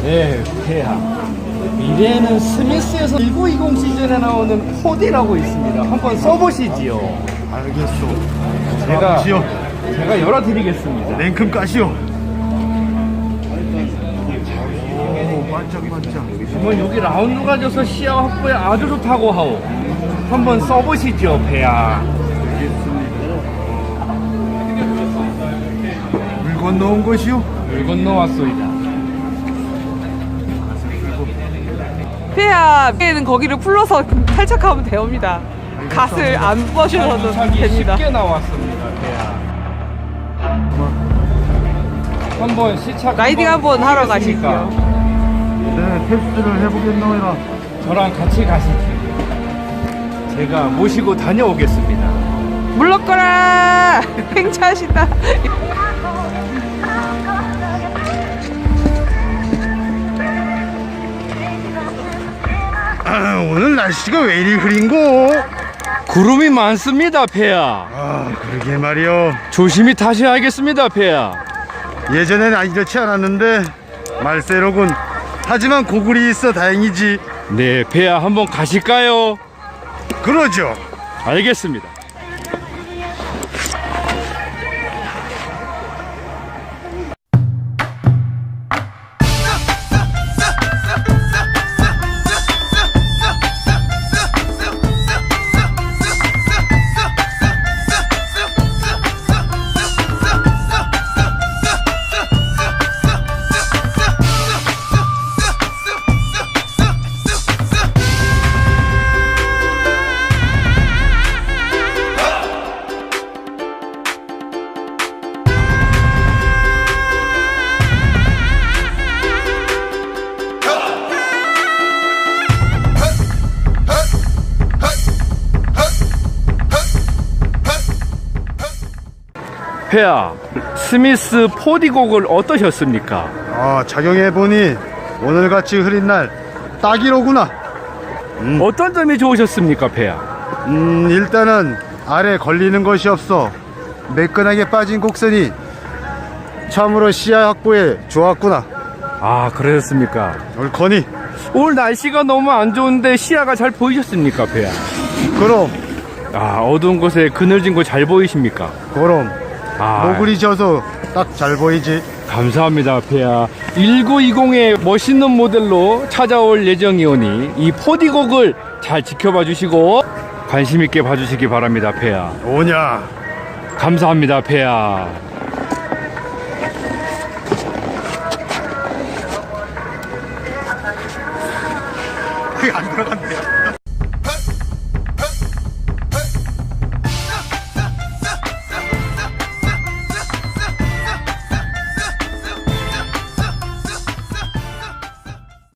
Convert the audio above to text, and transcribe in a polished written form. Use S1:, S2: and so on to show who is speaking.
S1: 네, 폐하. 미래에는 스미스에서 1920 시즌에 나오는 4D라고 있습니다. 한번 써보시지요.
S2: 알겠소.
S1: 제가
S2: 지요.
S1: 열어드리겠습니다.
S2: 냉큼 까시오. 오, 반짝반짝.
S1: 그러면 여기 라운드 가져서 시야 확보에 아주 좋다고 하오. 한번 써보시죠, 폐하.
S2: 물 건너온 것이오.
S1: 물 건너왔소이다.
S3: 폐하에는 거기를 풀러서 탈착하면 됩니다. 갓을 안 버셔도
S1: 차기
S3: 됩니다.
S1: 쉽게 나왔습니다, 폐하. 한번 시착
S3: 라이딩 한번 하러
S1: 하겠습니까?
S3: 가시죠.
S2: 네, 테스트를 해보겠노라.
S1: 저랑 같이 가시죠. 제가 모시고 다녀오겠습니다.
S3: 물러거라! 팽차하신다.
S2: 아, 오늘 날씨가 왜 이리 흐린고?
S1: 구름이 많습니다, 폐하.
S2: 아, 그러게 말이오.
S1: 조심히 타셔야겠습니다, 폐하.
S2: 예전엔 이렇지 않았는데 말세로군. 하지만 고글이 있어 다행이지.
S1: 네, 폐하 한번 가실까요?
S2: 그러죠.
S1: 알겠습니다. 폐하, 스미스 4D 곡을 어떠셨습니까?
S2: 아, 착용해보니 오늘같이 흐린 날 딱이로구나.
S1: 어떤 점이 좋으셨습니까, 폐하?
S2: 일단은 아래 걸리는 것이 없어 매끈하게 빠진 곡선이 참으로 시야 확보에 좋았구나.
S1: 아, 그러셨습니까?
S2: 옳거니.
S1: 오늘 날씨가 너무 안 좋은데 시야가 잘 보이셨습니까, 폐하?
S2: 그럼
S1: 아, 어두운 곳에 그늘진 곳 잘 보이십니까?
S2: 그럼
S1: 아,
S2: 노을이 져서 딱 잘 보이지.
S1: 감사합니다, 폐하. 1920의 멋있는 모델로 찾아올 예정이오니 이 4D 곡을 잘 지켜봐 주시고 관심 있게 봐주시기 바랍니다, 폐하.
S2: 오냐.
S1: 감사합니다, 폐하.
S2: 안 들어간대.